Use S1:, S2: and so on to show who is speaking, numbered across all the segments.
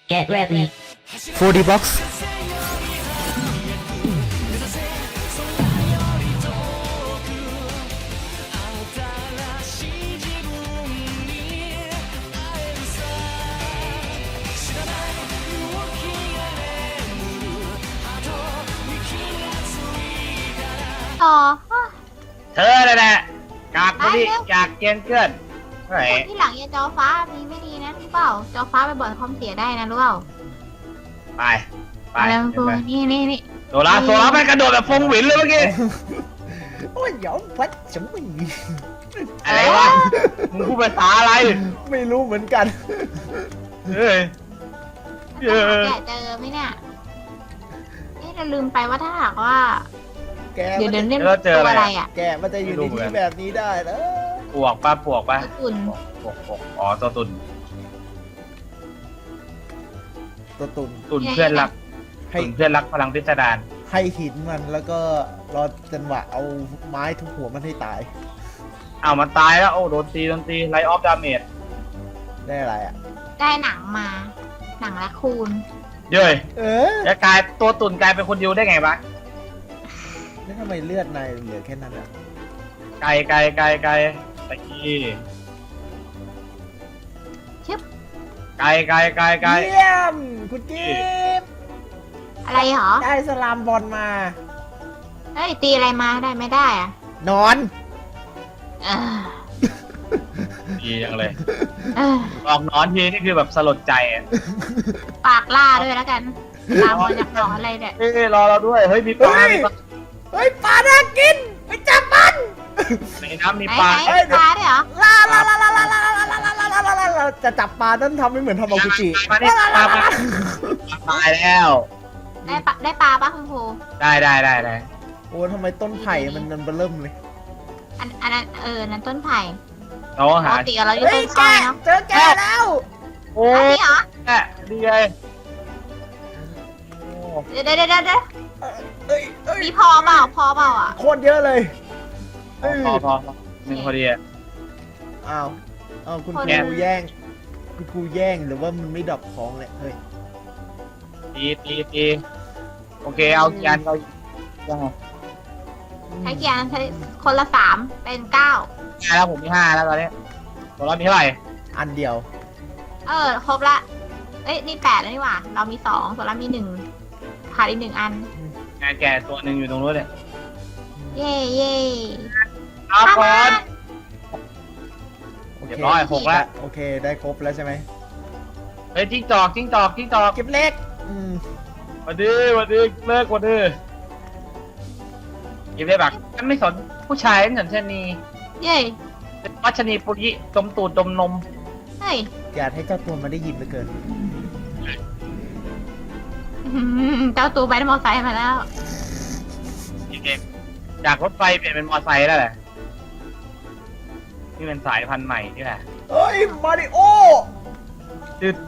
S1: Get ready.
S2: 4D box
S3: ต่อ
S4: เธอเลยแหละกากคนที่กากเกียนเกินไหน
S3: คนที่หลังอย่าจอฟ้ามีไม่ดีนะรู้เปล่าจอฟ้าไปบ่อยความเสียได้นะรู้เปล่า
S4: ไปไป
S3: อะไรมัน
S4: เดี๋ยวไป
S3: นี่
S4: โซล่าไม่กระโดดแบบฟงหวินเลยเมื่อกี้
S2: โอ้ยยอมพัดฉันไม่
S4: อะไรวะมึงพูดภาษาอะไร
S2: ไม่รู้เหมือนกัน
S4: เฮ้ย
S3: แกะเจอไหมเนี่ยเราลืมไปว่าถ้าหากว่า
S2: แก
S3: เดี๋ยว
S2: มัน
S3: เล่นตัวอะไรอ่ะ
S2: แกมันจะอยู่ในที่แบบนี้ได้เหรอ
S4: ปวกปะปวกปะ
S3: อุ่น
S4: ปวกอ๋อตัวตุน
S2: ตัวตุ่น
S4: ตุนเพื่อนรัก
S2: ให้
S4: ตุนเพื่อนรักพลังพิสดาร
S2: ให้หินมันแล้วก็รอจังหวะเอาไม้ทุบหัวมันให้ตาย
S4: อ้าวมันตายแล้วโอ้โดนตีไลท์ออฟดาเมจ
S2: ได้อะไรอ่ะ
S3: ได้หนังมา หนังและคูณ
S4: เย้ย
S2: เออ
S4: แล้วกลายตัวตุนกลายเป็นคนเดียวได้ไงวะ
S2: แล้วทำไมเลือดนายเหลือแค่นั้นอ่ะ
S4: ไกลตะกี้
S3: ชึบ
S4: ไกล
S2: เยี่ยมคุณกิฟต์
S3: อะไรเหรอ
S2: ได้สลามบอลมา
S3: เฮ้ยตีอะไรมาได้ไม่ได้อ่ะ
S2: นอน
S3: เออ
S4: ดีจังเลย
S3: เออ
S4: ออกนอนทีนี่คือแบบสลดใจอ่ะ
S3: ปากล่าด้วยแล้วกันลาบอลอยากหนอนอะไรเนี่ย
S4: เฮ้ยรอเราด้วย เฮ้ยมีปลา
S2: เฮ้ย
S4: มีปลา
S2: เฮ้ยปลาน่ากินไปจับมัน
S4: ในน้ำมี
S3: ไหน
S4: ปลา
S3: ไหนปลาด้วยเหรอ
S2: ลาจะจับปลาต้องทำให้เหมือนทำมากุจิ
S4: มานี่ปลาตายแล้ว
S3: ได้ปลาปะคุณครู
S4: ได้
S2: โอ้ทำไมต้นไผ่มันเริ่มเลย
S3: อันนั้นนั้นต้นไผ่
S4: เรา
S3: ป
S4: หาก
S3: ติเราอยู่
S2: เฮ้
S3: ต้
S2: ย
S3: น
S2: แก
S3: อ้อยเนาะ
S2: เจอแกแล้ว
S4: โอ้
S3: อัน
S4: ย
S3: นี้เหรอ
S4: แม่ดีเลยโอ้
S3: เดี๋ยว
S2: เอ้ย
S3: มีพอเปล่าอ่ะ
S2: โคตรเยอะเลยเอ้ย
S4: พอหนึ่งพอดีอ่ะ
S2: อ้าวคุณค
S4: แย่
S2: รูแย่งคุณครูแย่งหรือว่ามันไม่ดรอปของเลยเฮ้ย
S4: ตีโอเคเอาจานเรายังไง
S3: ใช้เกียร์ใช้คนละ3เป็น9
S4: 5แล้วผมมี5แล้วตอนนี้ตัวเรามีเท่าไหร่
S2: อันเดียว
S3: ครบละเอ้ยนี่8แล้วนี่หว่าเรามี2ส่วนเรามี1ขาดอีก1อัน
S4: งานแก่ตัวหนึ่งอยู่ตรงนู้นเนี่ย
S3: เย่
S4: เอาก่อน
S2: โอ
S4: เรีย
S2: เค
S4: บร้อย6แล้ว
S2: โอเคได้ครบแล้วใช่ไหม
S4: เฮ้ยจิ้งจอก
S2: เก็บเล็ก
S4: วันดีเลิกวันดียิบได้บักฉันไม่สนผู้ชายฉันสนชนี
S3: เย่
S4: เป็นวัชนีปุริดมตูดดมนม
S3: เฮ้ย
S2: อยากให้เจ้าตัวมาได้ยินเหลือเกิน
S3: เจ้าตูไปได้มอไซค์มาแล้ว
S4: เก่งจากรถไฟเปลี่ยนเป็นมอไซค์แล้วแหละนี่เป็นสายพันธุ์ใหม่นี่แหละ
S2: เฮ้ยมาริโอ
S4: ตืด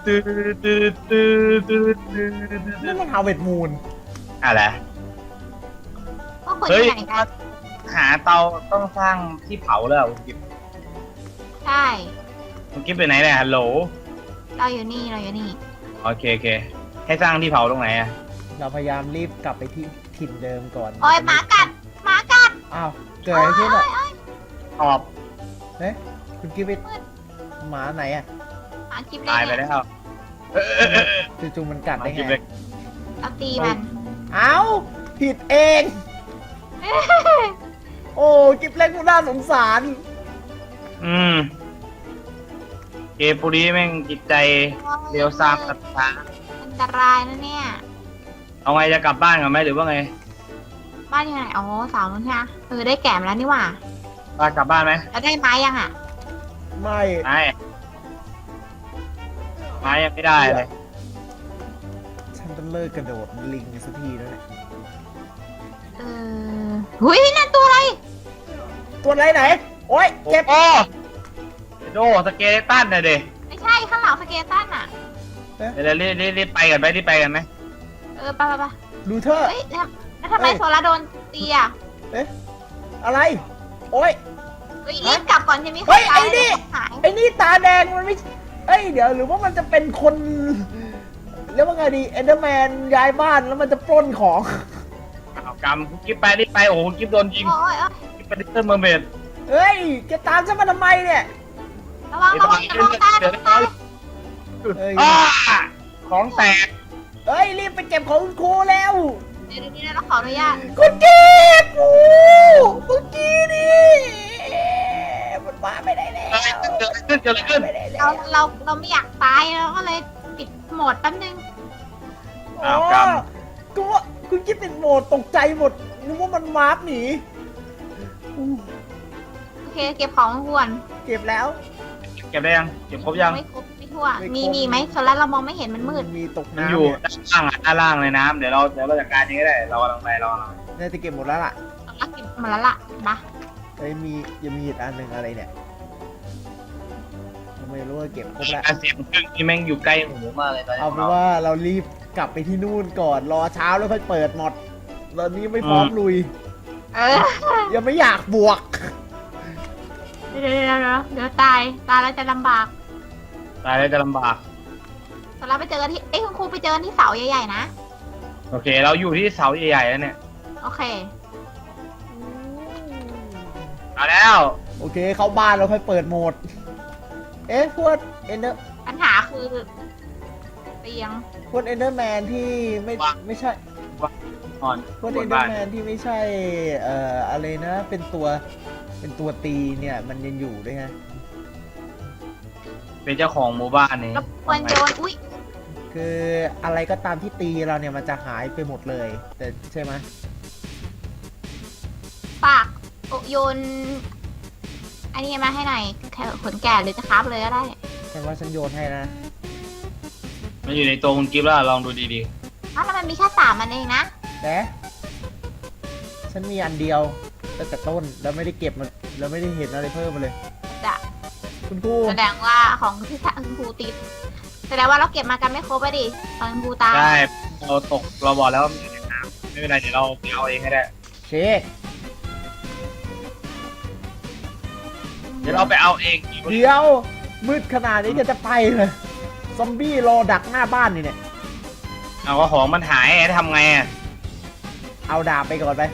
S2: นี่มันฮาวเวิร์ดมูน
S4: อะไร
S3: ก็คน
S4: เฮ้ย
S3: ที่ไหนกัน
S4: หาเตาต้องสร้างที่เผาแล้วคุณกิฟ
S3: ใช่
S4: คุณกิฟไปไหนเนี่ยฮัลโหล
S3: เราอยู่นี่
S4: โอเคให้สร้างที่เผาตรงไหนอะ
S2: เราพยายามรีบกลับไปที่ถิ่นเดิมก่อน
S3: โอ้ยหมากัด
S2: อ้าวเกิดอะไรขึ้นอ่ะ
S4: ตอบ
S2: เฮ้ยคุณกิฟต์หมาไหนอ่ะ
S3: หมาคลิปเล
S4: ตาย
S3: ย
S4: ไป
S3: เนี่ย
S4: แล้ว
S2: จู่ๆมันกัด
S4: มา
S2: ได้
S4: กิฟ
S2: ไง
S4: เล็ก
S3: เราตีมัน
S2: เอ้าผิดเอง โอ้กิฟเล็กมันน่าสงสาร
S4: เกมปุรีแม่งจิตใจเรียวซามตัดขา
S3: อันตรายนะเนี่ย
S4: เอาไงจะกลับบ้านกันไหมหรือว่าไง
S3: บ้านอยู่ไหนอ๋อสาวนู้นใช่ไหมได้แก่มาแล้วนี่หว่า
S4: บ้านกลับบ้านไหม
S3: แล้วได้ไม้ยังอ่ะ
S2: ไม่
S4: ไม่ยังไม่ได้เลย
S2: ฉันต้องเลิกกระโดดลิงสักทีแล้วเนี่ย
S3: หุยนั่นตัวอะไร
S2: ตัวไหนไหน โอ๊ยเจ็บ
S4: โอ้โดสเกเลตันเลยดิ
S3: ไม่ใช่ข้างหลังสเกตันอ่ะ
S4: เดี๋ยวรีบไปกันไหม
S3: ไป
S2: ดูเธอ
S3: เฮ้ยแล้วทำไมโซล่าโดนตีอ่ะ
S2: อะไร โอ๊ย
S3: เฮ้ยรีบกลับก่อนใช่ไหม
S2: เฮ้ยไอ้นี่
S3: หาย
S2: ไอ้นี่ตาแดงมันไม่ฮ้ยเดี๋ยวหรือว่ามันจะเป็นคนเรียกว่าไงดีเอนเดอร์แมนย้ายบ้านแล้วมันจะปล้นของ
S4: เอากำคุณกิ๊บไปรีบไปโอ้โหคุณกิ๊บโดนยิง
S3: โอ้ย
S4: กิ๊บเป็นลิตเติ้ลเมอร์เมด
S2: เฮ้ยแกตามฉันมาทำไมเนี่ย
S3: ระวังระวังระวังตายระวังตาย
S2: เฮ้ย
S4: อ้าของแตก
S2: เฮ้ยรีบไปเก็บของคุณครูแล้ว
S3: เดี๋ยวนี้เราขออนุญาต
S2: คุณเก็บโอ้เมื่อกี้นี่มันมาไม่ได้แล้ว
S4: เกิดอะไรขึ้น
S2: ไม่ได้แล้
S3: เราไม่อยากตายเราก็เลยปิดโหมดแป๊บนึง
S2: อ๋อก็ว่าคุณคิดเป็นโหมดตกใจหมดนึกว่ามันวาร์ปหนีอู้
S3: โอเคเก็บของก่อน
S2: เก็บแล้ว
S4: เก็บได้ยังเก็บครบยัง
S3: ไม่ครบไม่ทั่ว
S2: ไม่ครบ
S3: มีไหมโซล่าเรามองไม่เห็นมันมืด
S2: มีตก
S4: มัน
S2: น้ำ
S4: อยู่
S2: เนี่ย
S4: ด้านล่างในน้ำเดี๋ยวเราจัดการเองก็ได้เรากำลังไปเรากำลัง
S2: น่าจะเก็บหมดแล้วล่ะ
S3: เราเก็บมาแล้วล่ะนะ
S2: เฮ้ยมียังมีอีกอันหนึ่งอะไรเนี่ยผมไม่รู้ว่าเก็บครบแล้ว
S4: การเสียงเครื่องนี่แม่งอยู่ใกล้หูมากเลยตอนนี้
S2: เอาเป็นว่าเรารีบกลับไปที่นู่นก่อนรอเช้าแล้วค่อยเปิดหมดตอนนี้ไม่พร้อมลุย
S3: เออ
S2: ยังไม่อยากบวก
S3: เดี๋ยวตายแล้วจะลำบาก
S4: ตายแล้วจะลำบาก
S3: โซล่าไปเจอกันที่คุณครูไปเจอกันที่เสาใหญ่ๆนะ
S4: โอเค เราอยู่ที่เสาใหญ่ๆแล้วเนี่ย
S3: โอเค
S4: เอาแล้ว
S2: โอเคเข้าบ้านเราค่อยเปิดโหมด เอ๊ะพวกเอนเดอร์
S3: ปัญหาคือเตียง
S2: พวกเอนเดอร์แมนที่ไม่ใช่
S4: อ่อน
S2: พวก
S4: บ
S2: เอน
S4: น
S2: เดอ
S4: บ้าน
S2: ร์แมนที่ไม่ใช่อะไรนะเป็นตัวตีเนี่ยมันยังอยู่ด้วยฮะ
S4: เป็นเจ้าของหมู่บ้านนี่
S3: รบกวนโยนอุ้ย
S2: คืออะไรก็ตามที่ตีเราเนี่ยมันจะหายไปหมดเลย แต่ใช่ไหม
S3: ปากโยนอันนี้มาให้หน่อยแค่ขนแก่หรือจะคราบเลยก็ได้
S2: ฉันว่าฉันโยนให้นะ
S4: มันอยู่ในตัวคุณกิฟต์แล้วลองดูดี
S3: อ้าวแล้วมันมีแค่3อันเองนะ
S2: แต่ฉันมีอันเดียวตั้งแต่ต้นแล้วไม่ได้เก็บมันแล้วไม่ได้เห็นอะไรเพิ่มมาเลย
S3: จะ
S2: คุณครู
S3: แสดงว่าของที่คุณครูติดแสดงว่าเราเก็บมากันไม่ครบไปดิตอนคุณครูตาย
S4: ๆใช่เราตกเราบอกแล้วว่ามันอยู่ในน้ำไม่เป็นไรเดี๋ยวเราไปเอาเองให้ได้
S2: เช็ค
S4: เดี๋ยวเราไปเอาเอง
S2: เดี๋ยวมืดขนาดนี้จะไปเลยซอมบี้รอดักหน้าบ้านนี่เนี่ย
S4: เอาก็ของมันหายทำไงอ่ะ
S2: เอาดาบไปก่อนไป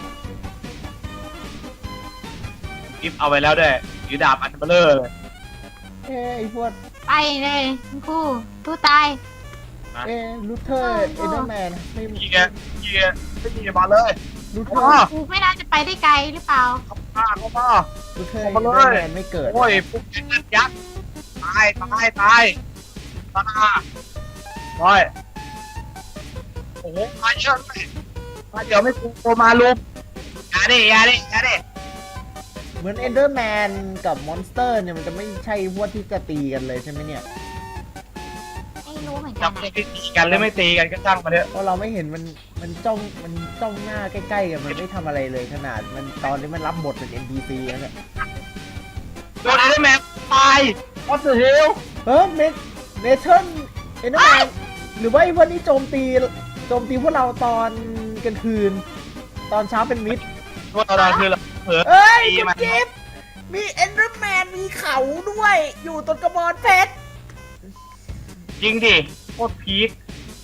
S4: กิฟต์เอาไปแล้วด้วยถือดาบอันเบลอเลย
S2: เอ้ไอพวก
S3: ไปเลยคุณครูตู้ตาย
S2: ลูเทอร์เอเดอร์แมนไม่
S4: ยิงอ่ะไม่ยิงมาเลย
S2: ลูเทอ
S4: อ๋อ
S2: ร์
S3: ครูไม่น่าจะไปได้ไกลหรือเปล่า
S4: เข้ามา
S2: ลูเทอร์
S4: เอา
S2: เอ
S4: มา
S2: เด
S4: เล
S2: อย ร์แมนไม่เกิด
S4: โอ้ยพวกนันยักษ์ตายโอ้ยโอ้โหมาเยอะเลยมาเดี๋ยวไม่โตมาลุมอย่าดิ
S2: เหมือนเอเดอร์แมนกับมอนสเตอร์เนี่ยมันจะไม่ใช่พวกที่จะตีกันเลยใช่ไหมเนี่ย
S3: ไม่รู้เหมือนกั
S4: จั
S3: น
S4: บ
S3: อะ
S4: ตีกันหรือไม่ตีกันก็ช่างมาเถอะ
S2: เพราะเราไม่เห็นมันจ้องหน้าใกล้ๆกันมันไม่ทำอะไรเลยขนาดมันตอนนี้มันรับบทเป็น NPC แล้วเนี่ย
S4: โดนไอ้แมนตาย What the hell
S2: เมทัลเอเดอร์แมนหรือว่าไอ้พวกนี้โจมตีพวกเราตอนกลางคืน ตอนเช้าเป็นมิด
S4: พวกเราคือเราเผลอ
S2: เอ้ย
S4: ตี
S2: คุณ
S4: มัน
S2: กิฟต์มีเอนเดอร์แมนมีเขาด้วย อยู่ต้นกระบอนเพชร
S4: จริงดิโคตรพีค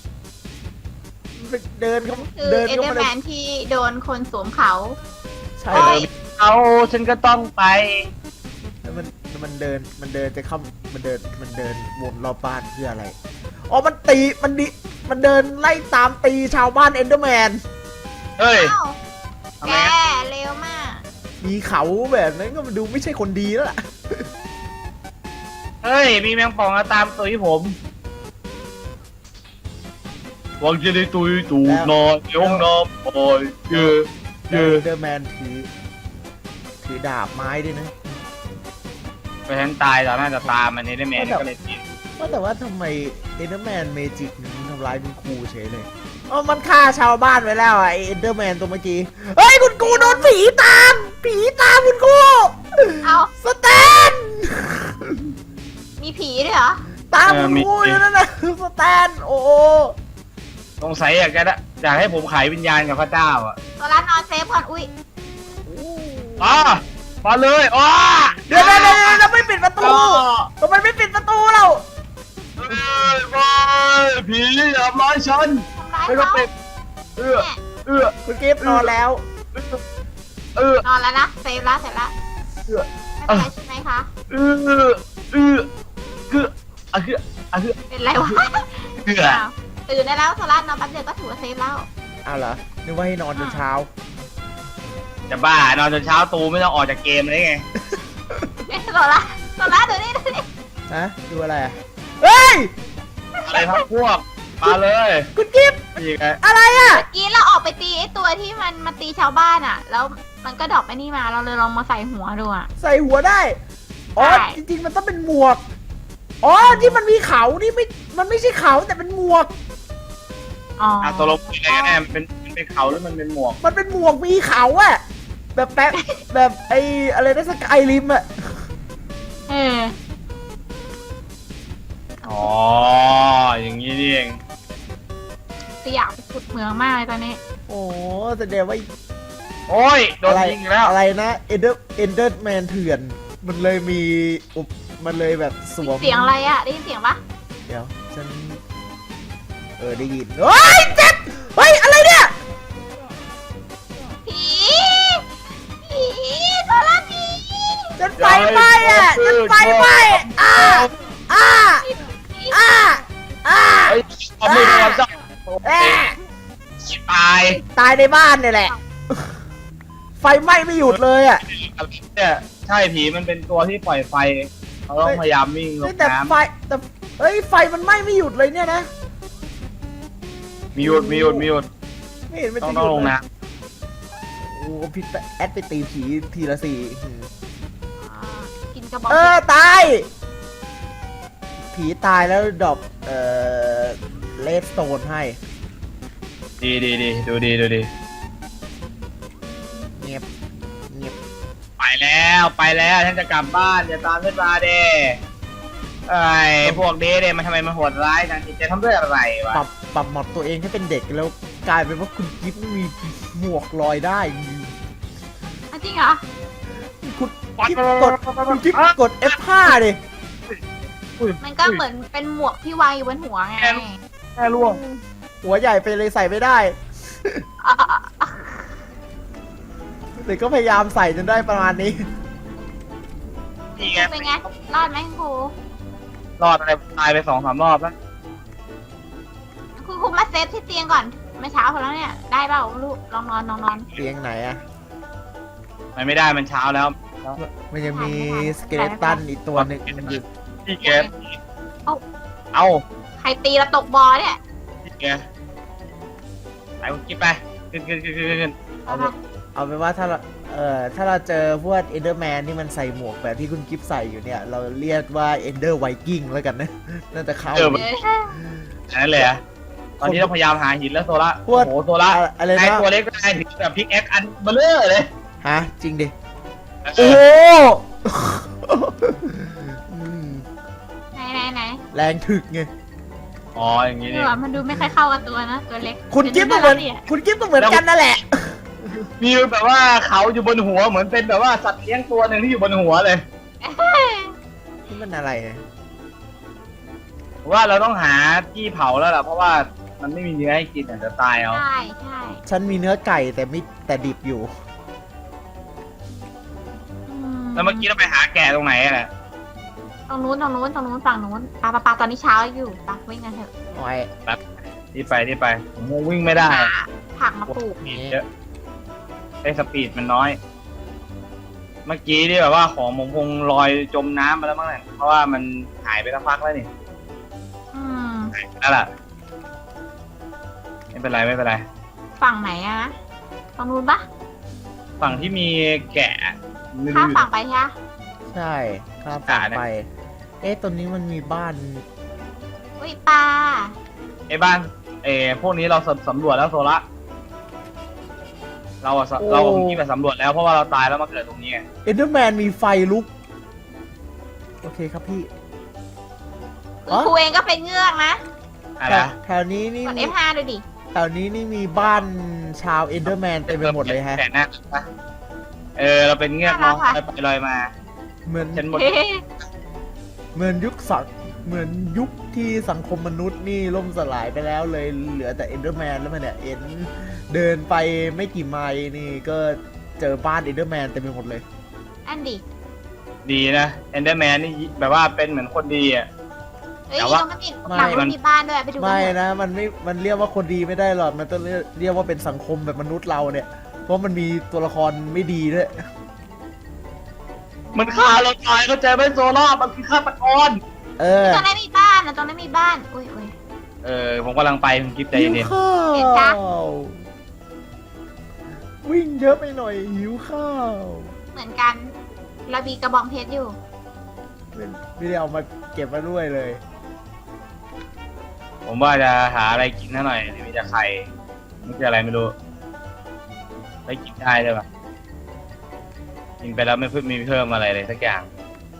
S2: เดินเขา
S3: คือ
S2: เดิน
S3: เอ
S2: เข้า
S3: เดอ
S2: มา
S3: ร์
S2: เล
S3: แม
S2: ย
S3: นที่โดนคนสวมเขา
S2: ใช่
S3: โอ้ย
S4: เอาฉันก็ต้องไป
S2: แล้วมันเดินจะเข้ามันเดินวนรอบบ้านเพื่ออะไรอ๋อมันเดินไล่ตามตีชาวบ้านเอนเดอร์แมน
S4: เฮ้ย
S3: อ้าว
S4: ทำ
S3: แก
S4: ไมอะ
S3: เร็วมาก
S2: มีเขาแบบนั้นก็มาดูไม่ใช่คนดีแล้วล่ะ
S4: เฮ้ย มีแมงป่องมาตามตุยผมหวังจะได้ตุยตูดนอนในห้องน้ำโอ้ยเยอะ
S2: เอนเดอร์แมนถือดาบไม้ด้วยนะ
S4: ไปฉันตายตอนน่าจะตามมันนี่ได้แมนก็เลยตี
S2: ว่าแต่ว่าทำไมเอนเดอร์แมนเมจิกมันทำร้ายคุณครูเฉยเลยอ๋อมันฆ่าชาวบ้านไว้แล้วไอเอนเดอร์แมนตัวเมื่อกี้เฮ้ยคุณครูโดนผีตามคุณครู
S3: เอา
S2: สแตน
S3: มีผีด้วยเหรอ
S2: ตามคุณครูอยู่นั่นนะสแตนโอ้โห
S4: สงสัยอยากให้ผมขายวิญญาณกับพระเจ้าอ่ะ
S3: ตัวร้านนอนเซฟก่อนอุ้ย
S4: อ๋อมาเลยอ๋อ
S2: เดี๋ยวเราไม่ปิดประตูทำไมไม่ปิดประตูเรา
S4: ผีอย่าทำร้ายฉัน
S3: ทำร้าย
S4: ไม่ต้อง
S3: เขา
S4: ปิดเอื้อ
S3: เนี่ย
S4: เอื้อ
S2: คุณกิฟต์นอนแล้ว
S4: เอื้อน
S3: อนแล้วนะเซฟแล้วเสร็จแล้ว
S4: เอื้อ
S3: ไม่เป็นไรใช่ไหมคะ
S4: เอื้อเอื้อคืออะคืออะคือ
S3: เป็นไรวะ
S4: เอื้อ
S3: อ้าวตื่นได้แล้วโซล่านอนแป๊บเดียวก็ถือว่าเซฟแล้ว
S2: อ้าวเหรอ นึกว่าให้นอนจนเช้า
S4: จะบ้านอนจนเช้าตูไม่ต้องออกจากเกมเลยไง
S3: โซล่าดูนี่
S2: ฮะ ดูอะไรอ่ะ เฮ้ย
S4: อะไรพักพวกมาเลย
S2: คุณกิฟต์
S4: นี่ไง
S2: อะไรอ่ะ
S3: เมื่อกี้เราออกไปตีไอ้ตัวที่มันมาตีชาวบ้านอ่ะ แล้วมันก็ดรอปไอ้นี่มาเราเลยลองมาใส่หัวดูอ่ะ
S2: ใส่หัวได้ อ๋อ
S3: ใช่
S2: จริงๆ มันต้องเป็นหมวก อ๋อ ที่มันมีเขานี่ไม่ มันไม่ใช่เขาแต่เป็นหมวก
S3: อ๋อ
S4: ตกลงเป็นอะไรกันแน่มันเป็นเขาหรือมันเป็นหมวก
S2: มันเป็นหมวกมีเขาอะแบบแป๊บ แบบไอ้อะไรนะสกายริมอะ
S3: เออ
S4: อ๋ออย่างนี้นี่เอง
S3: จะอยากไปขุดเหมืองมากเลยตอนนี้
S2: โอ้แสดงว่า
S4: โอ้ยโดน
S2: อะไร
S4: ยิงอีกแล้ว
S2: อะไรนะเอนเดอร์แมนเถื่อน มันเลยมีมันเลยแบบสวม
S3: เสียงอะไรอ่ะ ได้ยินเสียงปะ
S2: เดี๋ยวฉันได้ยินเฮ้ยเจ็บเฮ้ยอะไรเนี่ย
S3: ผีโซล่าผี
S2: ฉันไฟไหม้อะฉันไฟไหม้อ้าอ้าอ้าอ้า
S4: เฮ้ยเอามือมาจับ
S2: แอะ
S4: ตาย
S2: ตายในบ้านเนี่ยแหละ ไฟไหม้ไม่หยุดเลยอะ
S4: เนี่ยใช่ผีมันเป็นตัวที่ปล่อยไฟเราต้องพยายามวิ่งล
S2: เฮ้ย
S4: ง
S2: แต่
S4: น้
S2: ไฟแต่เฮ้ยไฟมันไหม้ไม่หยุดเลยเนี่ยนะ
S4: ำมีหยุดมีหยุดมีหยุด
S2: ไม่เห็นมัน
S4: ต้อง
S2: จะห
S4: ต้อง
S2: ยุด
S4: ลง
S2: เลย
S4: น้
S2: โอ้พี่แอดไปตีผีทีละสี่
S3: กินกระบอก
S2: ตาย ผีตายแล้วดรอปเลดสโตนให้
S4: ำดีดูดี
S2: เงียบเงียบ
S4: ไปแล้วฉันจะกลับบ้านอย่าตามฉันมาเด้ไอ้พวกเด้มันทำไมมันโหดร้ายจังจิตใจทำด้วยอะไรวะ
S2: ปรับหมดตัวเองให้เป็นเด็กแล้วกลายเป็นว่าคุณกิฟต์มีหมวกลอยได้
S3: จริงเหรอ
S2: คุณกิฟต์กดคุณกิฟต์กด F5 ดิ
S3: มันก็เหมือนเป็นหมวกที่วางอยู่บนหัวไง
S4: แค่ล่วง
S2: หัวใหญ่ไปเลยใส่ไม่ได้
S3: อ่ะ
S2: แต่ก็พยายามใส่จนได้ประมาณนี้
S4: นี่ไง
S3: เป็นไง รอดไหมคุณครู
S4: รอดอะไรตายไป2-3 รอบแล้ว
S3: คุณครูมาเซฟที่เตียงก่อนเมื่อเช้าพอแล้วเนี่ย ได้เปล่าลูกลองนอน
S2: เตียงไหนอะ
S4: มันไม่ได้มันเช้าแล้ว
S2: มันยังมีสเกเลตันอีกตัวหนึ่งมันอยู่
S4: พี่แกเอา
S3: ใครตีแล้วตกบอเนี่ย
S4: พี่แกไปคุณกิ๊บไปขึ้น
S2: เอาเป็นว่าถ้าเราถ้าเราเจอพวกเอนเดอร์แมนที่มันใส่หมวกแบบที่คุณกิฟต์ใส่อยู่เนี่ย เราเรียกว่าเอนเดอร์ไวกิ้งแล้วกันนะ น่าจะเข้า
S4: อันนั้นเลยอะตอนนี้เราพยายามหาหินแล้วโซล่า
S2: พว
S4: โอ้
S2: ก
S4: โหโซล่า
S2: อะไร
S4: ไอ
S2: นะ
S4: ตัวเล็กได้ถึงแบบพิกแอคอันเบลเลอร์เลย
S2: ฮะ จริงดิ โอ้โหอืม
S3: ไหน
S2: แรงถึกไง
S4: อ๋ออย่างนี้
S3: เอ
S4: นี่
S3: อมันดูไม่ค่อยเข้ากับตัวนะ ตัวเล็ก
S2: คุณกิฟต์ก็เหมือนคุณกิฟต์ก็เหมือนกันนั่นแหละ
S4: มีแบบว่าเขาอยู่บนหัวเหมือนเป็นแบบว่าสัตว์เลี้ยงตัวหนึ่งที่อยู่บนหัวเลย
S2: นี่มันอะไรเนี่ย
S4: ว่าเราต้องหาที่เผาแล้วล่ะเพราะว่ามันไม่มีเนื้อให้กินอาจจะตายเอา
S3: ใช่
S2: ฉันมีเนื้อไก่แต่ดิบอยู่
S4: แล้วเมื่อกี้เราไปหาแกะตรงไหนอะ
S3: ตรงนู้นฝั่งนู้นปาตอนนี้เช้าอยู่ปาวิ่งกันเถอะ
S2: โอ้ย
S4: ที่ไปผมคงวิ่งไม่ได้
S3: ผักมาปลูก
S4: สปีดเยอะไอ้สปีดมันน้อย เมื่อกี้ที่แบบว่าของผมคงลอยจมน้ำไปแล้วมั้งเนี่ยเพราะว่ามันหายไปสักพักแล้วนี่
S3: อืม
S4: นั่นแหละไม่เป็นไร
S3: ฝั่งไหนอะตรงนู้นปะ
S4: ฝั่งที่มีแกะไม่
S3: ข้า
S4: รู้
S3: ม
S4: อยู่
S3: ฝั่งไปใช่ไหม
S2: ใช่ข้ามฝั่งไป ตรงนี้มันมีบ้าน
S3: อุ้ยปลา
S4: ไอ้บ้านพวกนี้เราสำรวจแล้วโซละเราอะเราที่ไปสำรวจแล้วเพราะว่าเราตายแล้วมาเกิดตรงนี้ไง
S2: เอนเดอร์แมนมีไฟลุก โอเคครับพี่
S3: คุณครูเองก็เป็นเงือกนะ
S4: อะไรนะ
S2: แถวนี้นี่
S3: กด F5 ดูดิ
S2: แถวนี้นี่มีบ้านชาวเอนเดอร์แมนเต็มไปหมดเลยฮะ
S4: แต่หน้านะเราเป็นเงือกน้องลอยไปลอยมา
S2: เหมือน
S4: ฉันหมด
S3: เฮ้
S2: เหมือนเหมือนยุคที่สังคมมนุษย์นี่ล่มสลายไปแล้วเลยเหลือแต่เอนเดอร์แมนแล้วมันเนี่ยเดินไปไม่กี่ไมล์นี่ก็เจอบ้านเอนเดอร์แมนเต็มไปหมดเลย
S3: อันดิ
S4: ดีนะเอนเดอร์แมนนี่แบบว่าเป็นเหมือนคนดีอ่ะ
S3: เฮ้ย
S4: แต่ว่า
S3: เราไม่มีหลังรถมีบ้านด้วยไปดู
S2: ไม่
S3: กัน
S2: นะมันเรียกว่าคนดีไม่ได้หรอกมันต้องเรียกว่าเป็นสังคมแบบมนุษย์เราเนี่ย เพราะมันมีตัวละครไม่ดีด้วย
S4: มันฆ่าเราตายเข้าใจไหมโซล่ามันคือฆาตกร
S2: เออ
S3: ตรงนั้นมีบ้านนะตรงนั้นมีบ้านอุ้ย
S4: ผมกำลังไปคุณกิฟต์ใจ
S2: หิว
S4: เย็น
S2: ข้า
S3: เห็นจ้ะ
S2: ววิ่งเยอะไปหน่อยหิวข้าว
S3: เหมือนกันเรามีกระบองเพชรอยู่
S2: ไม่ได้เอามาเก็บมาด้วยเลย
S4: ๆผมว่าจะหาอะไรกินหน่อยมีแต่ไข่นี่คืออะไรไม่รู้ได้กินได้ใช่ปะกินไปแล้วไม่มีเพิ่มอะไรเลยสักอย่าง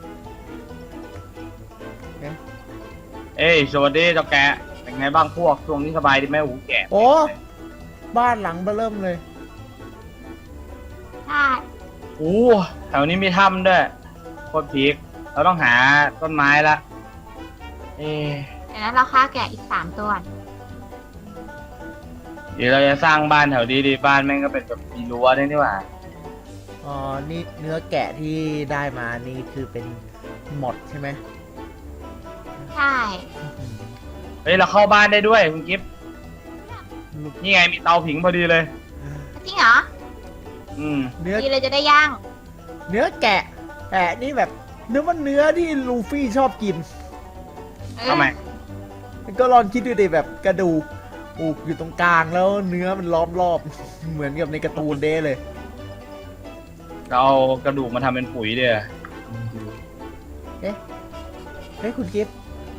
S4: เอ้ยสวัสดีเจ้าแกะเป็นไงบ้างพวกช่วงนี้สบายดีไหมหูแกะ
S2: โอ้บ้านหลังเบ้อเริ่มเลย
S3: ใช่
S4: โอ้แถวนี้มีถ้ำด้วยโคตรพีคเราต้องหาต้นไม้ละเอ๊ะ
S3: เดี๋ยวนั้นเราฆ่าแกะอีก3 ตัว
S4: เดี๋ยวเราจะสร้างบ้านแถวนี้ดีบ้านแม่งก็เป็นแบบมีรั้วด้วยนี่หว่า
S2: อ๋อ นี่เนื้อแกะที่ได้มานี่คือเป็นหมดใช่ไหม
S3: ใช่
S4: เฮ้ยเราเข้าบ้านได้ด้วยคุณกิฟต์นี่ไงมีเตาผิงพอดีเลย
S3: จริงเหรอ
S2: เนื้อ
S3: ดีเลยจะได้ย่าง
S2: เนื้อแกะนี่แบบเนื้อมันเนื้อที่ลูฟี่ชอบกิน
S3: เออ
S4: ทำไม
S2: ก็ลองคิดดูดิแบบกระดูกอยู่ตรงกลางแล้วเนื้อมันล้อมรอบ เหมือนกับในการ์ตูนเด้เลย
S4: เราเอากระดูกมาทำเป็นปุ๋ยเดียว
S2: เฮ้ยคุณกิฟต์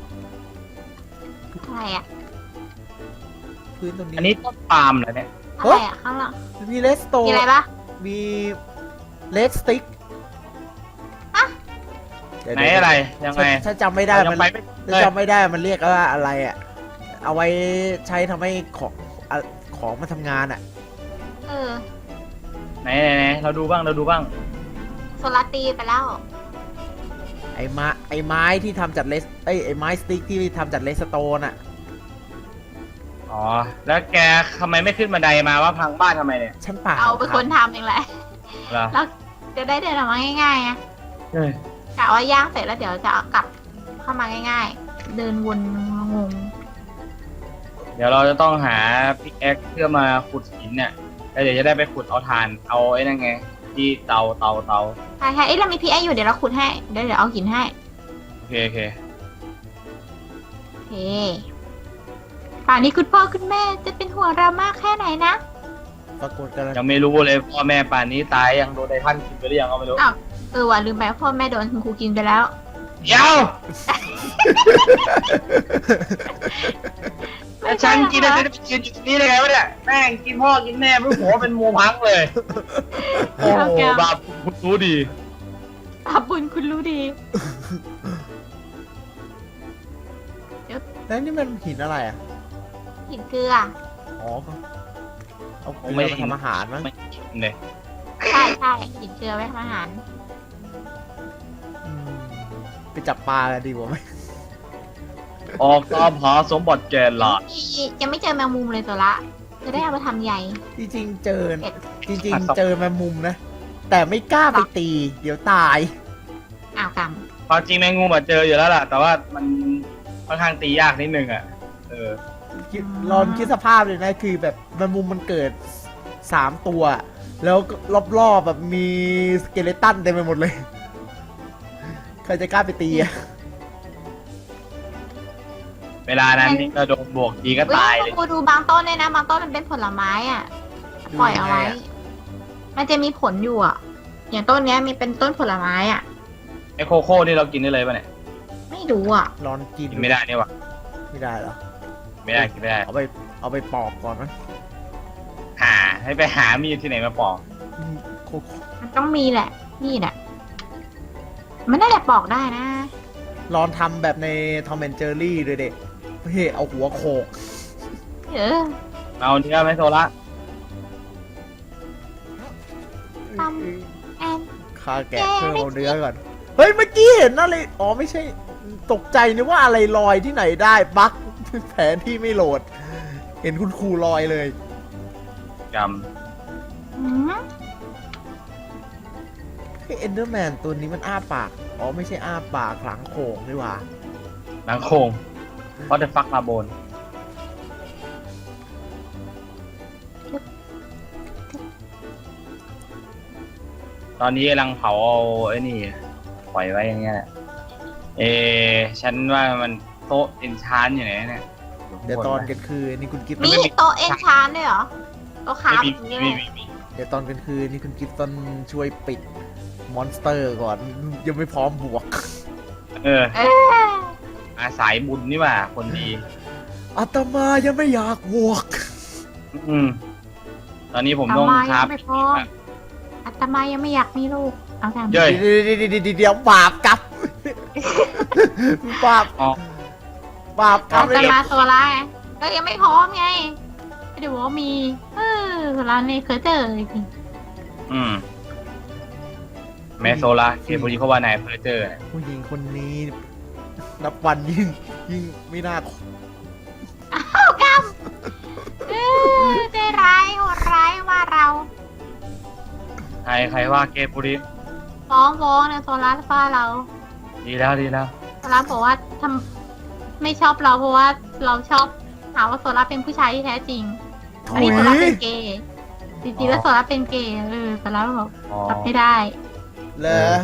S3: อะไรอ่ะ
S2: พื้นตรงนี้
S4: อันนี้ต้นปาล์มเหรอเนี่ย
S3: อะไรอ่ะข้างหลัง
S2: มีเลสโต
S3: มีอะไรปะ
S2: มีเลสติ๊ก
S3: ฮะ
S4: ไหนอะไรยังไง
S2: ถ้าจำไม่ได้
S4: เรายั
S2: มั
S4: ง
S2: น
S4: ไปไม่
S2: ถ้าจำไม่ได้มันเรียกว่าอะไรอ่ะ เอาไว้ใช้ทำให้ของมาทำงานอ่ะ
S3: เออ
S4: ไหนเราดูบ้าง
S3: โซลาร์ตีไปแล้ว
S2: ไอ้ไม้ที่ทำจากไอ้ไม้สติ๊กที่ทำจากเลสโตนอ่ะ
S4: อ๋อแล้วแกทำไมไม่ขึ้นบันไดมาว่าพังบ้านทำไมเนี่ย
S2: ฉันเปล่า
S3: เอาเป็นคนทำเองแหละ
S4: เหรอ
S3: แล้วจะได้เดินออกมาง่ายๆไง
S4: เฮ้ย
S3: กะว่าย่างเสร็จแล้วเดี๋ยวจะเอากลับเข้ามาง่ายๆ เดินวนงง
S4: เดี๋ยวเราจะต้องหาพิกแอคเพื่อมาขุดหินเนี่ยแล้วเดี๋ยวจะได้ไปขุดเอาถ่าน เอาไอ้นั่นไง ที่เตา
S3: ใช่เอ้ยเรามีพีไออยู่เดี๋ยวเราขุดให้ เดี๋ยวเอาหินให้
S4: โอเค
S3: โอเคป่านนี้คุณพ่อคุณแม่จะเป็นห่วงเรามากแค่ไหนนะ
S2: ปรากฏกันแล้ว
S4: ยังไม่รู้เลยพ่อแม่ป่านนี้ตายยังโดนไททันกินไปหรือยังก็ไม่รู้
S3: อ้าว ว่ะลืมไปว่าพ่อแม่โดนคุณครูกินไปแล้ว
S4: เดี๋ยวแล้วฉันกินแล้วจะไปยืนอยู่ตรงนี้ได้ไงวะเนี่ยแม่งกินพ่อกินแม่เพื่อหัวเป็นโมพังเลย โอ้โหบาปคุณรู้ดี
S3: ขอบคุณคุณรู้ดี
S2: แล้วนี่มันหินอะไรอ่ะ
S3: หินเกลือ
S2: อ๋อก็เอาเกลื
S4: ไม่
S2: อ
S4: ได้
S2: มาทำอาหารมั้ง
S4: ไม่กินเลย
S3: ใช่ใช่หินเกลือไว้ทำอาหาร
S2: อืมไปจับปลากันดีกว่าไหม
S4: ออกตามหาสมบัติแกนหลาด
S3: ยังไม่เจอแมงมุมเลยตัวละ จะได้เอาไปทำใหญ่
S2: จริงๆเจอ
S3: เอ็ด
S2: จริงๆเจอแมงมุมนะ แต่ไม่กล้าไปตี เดี๋ยวตาย
S3: อ้าวกรรม
S4: ความจริงแมงมุมอะเจออยู่แล้วล่ะ แต่ว่ามันค่อนข้างตียากนิดนึงอ่ะ
S2: ลองคิดสภาพเลยนะ คือแบบแมงมุมมันเกิด3 ตัว แล้วรอบๆแบบมีสเกเลตันเต็มไปหมดเลย ใครจะกล้าไปตีอะ
S4: เวลานั้นนี่ก็โดนบวกดีก็
S3: เฮ้
S4: ตาย
S3: ย
S4: เลย
S3: กูดูบางต้นเนี่ยนะ บางต้นมันเป็นผลไม้อ่ะ ปล่อยเอาไว้ มันจะมีผลอยู่อ่ะ อย่างต้นเนี้ยมีเป็นต้นผลไม้อ่ะ
S4: ไอโคโค่นี่เรากินได้เลยป่ะเนี่ย
S3: ไม่รู้อ่ะ
S2: ลองกิน
S4: กินไม่ได้นี่หวะ
S2: ไม่ได้เหรอ
S4: ไม่ได้กินไม่ได้
S2: เอาไปปอกก่อนนะ
S4: ให้ไปหามีดที่ไหนมาปอก
S2: อืมโคโค่
S3: มันต้องมีแหละ นี่แหละ มันน่าจะปอกได้นะ
S2: ลองทำแบบในทอมแอนเจอรี่เลยเด็กเฮ้ยเอาหัวโขก
S3: เออ
S4: เอาเนื้อไหมโซละ
S3: ท
S2: ฆ่าแกะเพิ่มเอาเนื้อก่อน เฮ้ย เมื่อกี้เห็นอะไร อ๋อ ไม่ใช่ ตกใจนึกว่าอะไรลอยที่ไหนได้ บั๊ก แผนที่ไม่โหลด เห็นคุณครูลอยเลย
S4: ก
S3: อืม
S2: เอนเดอร์แมนตัวนี้มันอ้าปาก อ๋อ ไม่ใช่อ้าปากหลังโขงนี่หว่า
S4: ำหลังโคงเพราะจะฟักมาโบนตอนนี้กำลังเผาเอาไอ้นี่ปล่อยไว้อย่างเงี้ยแหละฉันว่ามันโต๊ะเอนชานอยู่ไหนเนี่ย
S2: เดี๋ยวตอนกลางคืนนี่คุณกิฟต์
S3: มีโต๊ะเอนชานด้วยเหรอโต๊ะคราฟ
S4: มี
S3: อย่างนี้
S4: มี
S3: เลย
S4: มี
S2: เดี๋ยวตอนกลางคืนนี่คุณกิฟต์ต้องช่วยปิดมอนสเตอร์ก่อน ยังไม่พร้อมบวก
S3: เออ
S4: อาสายบุญนี่หว่าคนดี
S2: อาตมายังไม่อยากบวก
S4: อืมตอนนี้ผมต้อง
S3: อาตมา
S4: ครั
S3: ยั
S4: บ
S3: งไม่พร้อม อาตมายังไม่อยากมีลูก เอาทำ
S4: เย้ย
S2: เดี๋ยวบาปกลับ บาป
S4: อ๋อบ
S2: าปกลั
S3: อา
S2: บ
S3: ต
S2: เลย
S3: มาโซล่าไงก็ยังไม่พร้อมไงไม่ได้บอกว่ามีโซล่าเนี่ยเคยเจอจริง
S4: อืมแมโซลาเกมพอดีเขาว่านายเพอร์เจอร์เนี่ย
S2: ผู้หญิงคนนี้ นับวันยิ่งไม่น่า
S3: ใจร้ายโหดร้ายว่าเรา
S4: ใครว่าเกมพอดี
S3: ฟ้องเนี่ยโซล่าฟ้าเรา
S4: ดีแล้วดีแล้ว
S3: โซล่าบอกว่าไม่ชอบเราเพราะว่าเราชอบหาว่าโซล่าเป็นผู้ชายที่แท้จริง อันนี้โซล่าเป็นเกย์จริงๆแล้วโซล่าเป็นเกย์โซล่าบอก
S4: อ๋อ
S3: รับไม่ได้
S2: เหรอ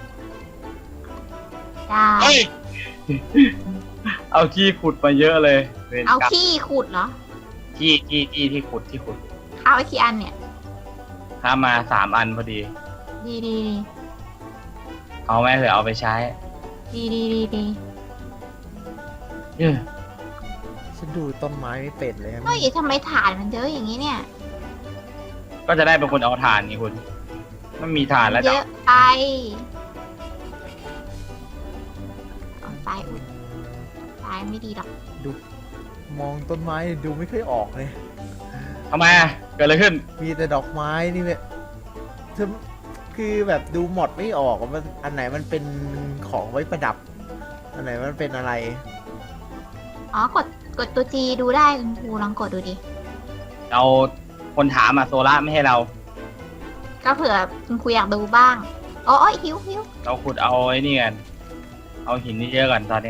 S3: ได้
S4: เฮ้ย เอาขี้ขุดมาเยอะเลยวร
S3: เอา
S4: กรรม
S3: ขี้ขุดเหรอ
S4: ขี้ที่ขุดที่ขุด
S3: ข้าวไว้กี่อันเนี่ย
S4: ถ้ามา3 อันพอดี
S3: ดีดี
S4: เอาไหมเผื่อเอาไปใช้
S3: ดีดีดี
S4: เย้ย
S2: ฉันดูต้นไม้ไม่เป็นเลยครับ
S3: เฮ้ยทำไมถ่านมันเยอะอย่างนี้เนี่ย
S4: ก็จะได้เป็นคนเอาถ่านนี่คุณมันมีถ่านแล้ว
S3: เย
S4: จ้ะ
S3: อะไปเอาตายอุดตายไม่ดีหรอก
S2: ดูมองต้นไม้ดูไม่ค่อยออกเลย
S4: ทำไมอะเกิดอะไรขึ้น
S2: มีแต่ดอกไม้นี่แบบคือแบบดูหมดไม่ออกว่ามันอันไหนมันเป็นของไว้ประดับ อันไหนมันเป็นอะไร
S3: อ๋อกดตัว G ดูได้คุณครูลองกดดูดิ
S4: เราคนถามอะโซล่าไม่ให้เรา
S3: ก็เผื่อคุณครูอยากดูบ้างโอ้ยหิว
S4: เราขุดเอาไอ้นี่กันเอาหินนี่เยอะก่อนตอนนี้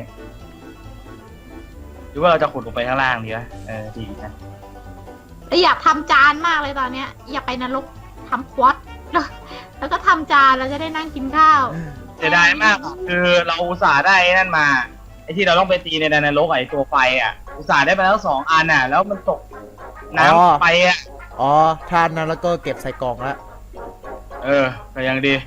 S4: หรือว่าเราจะขุดลงไปข้างล่างดีวะดีนะ
S3: แล้วอยากทำจานมากเลยตอนเนี้ย อยากไปนรกทำควอตแล้วก็ทำจานแล้วจะได้นั่งกินข้าว
S4: เสียดายมากอะคือเราอุตส่าห์ได้ไอ้นั่นมาไอ้ที่เราต้องไปตีในแดนนรกไอ้ตัวไฟอ่ะอุตส่าห์ได้มาแล้ว2 อันอ่ะ แล้วมันตกน้ำ
S2: อ๋อ
S4: ไปอ่ะ
S2: อ๋อทานนั้นแล้วก็เก็บใส่กล่องแล้ว
S4: ก็ยังดี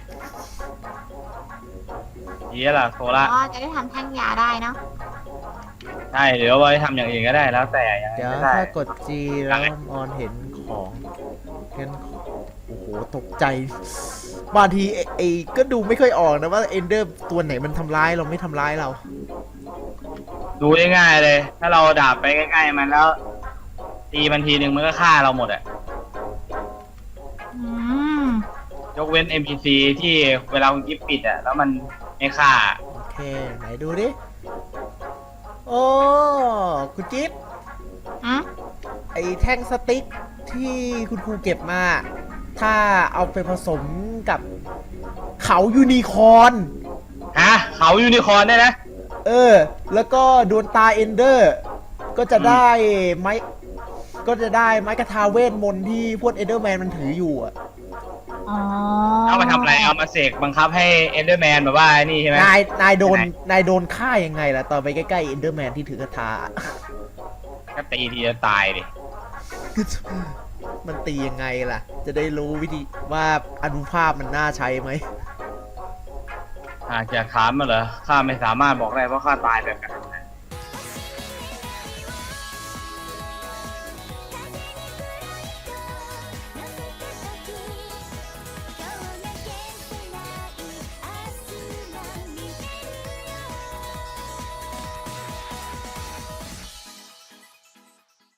S4: ดีแล้วล่ะโซล่า
S3: อ๋อจะได้ทำแท่งยาได้เนาะ
S4: ใช่เดี๋ยวไว้ทำอย่างอื่นก็ได้แล้วแต่ยังไง
S2: เดี๋ยว
S4: ก็ได้
S2: ถ้ากด G แล้วออนเห็นของเห็นของโอ้โหตกใจ บางทีไอ้ก็ดูไม่ค่อยออกนะว่าเอนเดอร์ตัวไหนมันทำร้ายเราไม่ทำร้ายเรา
S4: ดูง่ายๆเลย ถ้าเราดาบไปใกล้ๆมันแล้ว ตีมันทีนึงมันก็ฆ่าเราหมดอ่ะ
S3: อืม
S4: ยกเว้น NPC ที่เวลาคุณกิฟปิดอ่ะแล้วมันไม่ฆ่า
S2: โอเค ไหนดูดิ โอ้คุณจิ๊บ
S3: อืม
S2: ไอ้แท่งสติ๊กที่คุณครูเก็บมา ถ้าเอาไปผสมกับเขายูนิคอร์น
S4: ฮะเขายูนิคอร์นได้นะ
S2: แล้วก็ดวงตาเอนเดอร์ ก็จะได้ไม้ก็จะได้ไม้กระทาเวทมนต์ที่พวกเอนเดอร์แมนมันถืออยู่อะ
S3: อ๋อ
S4: เอามาทำอะไร เอามาเสกบังคับให้เอนเดอร์แมนแบบว่าไอ้นี่ใช่ไหม
S2: นายโดนฆ่ายังไงล่ะตอนไปใกล้ๆเอนเดอร์แมนที่ถือกระทา
S4: ก็ตีทีจะตายดิ
S2: มันตียังไงล่ะ จะได้รู้วิธีว่าอนุภาพมันน่าใช้ไหม
S4: หากจะถามมาเหรอ ข้าไม่สามารถบอกได้เพราะข้าตายแบบกัน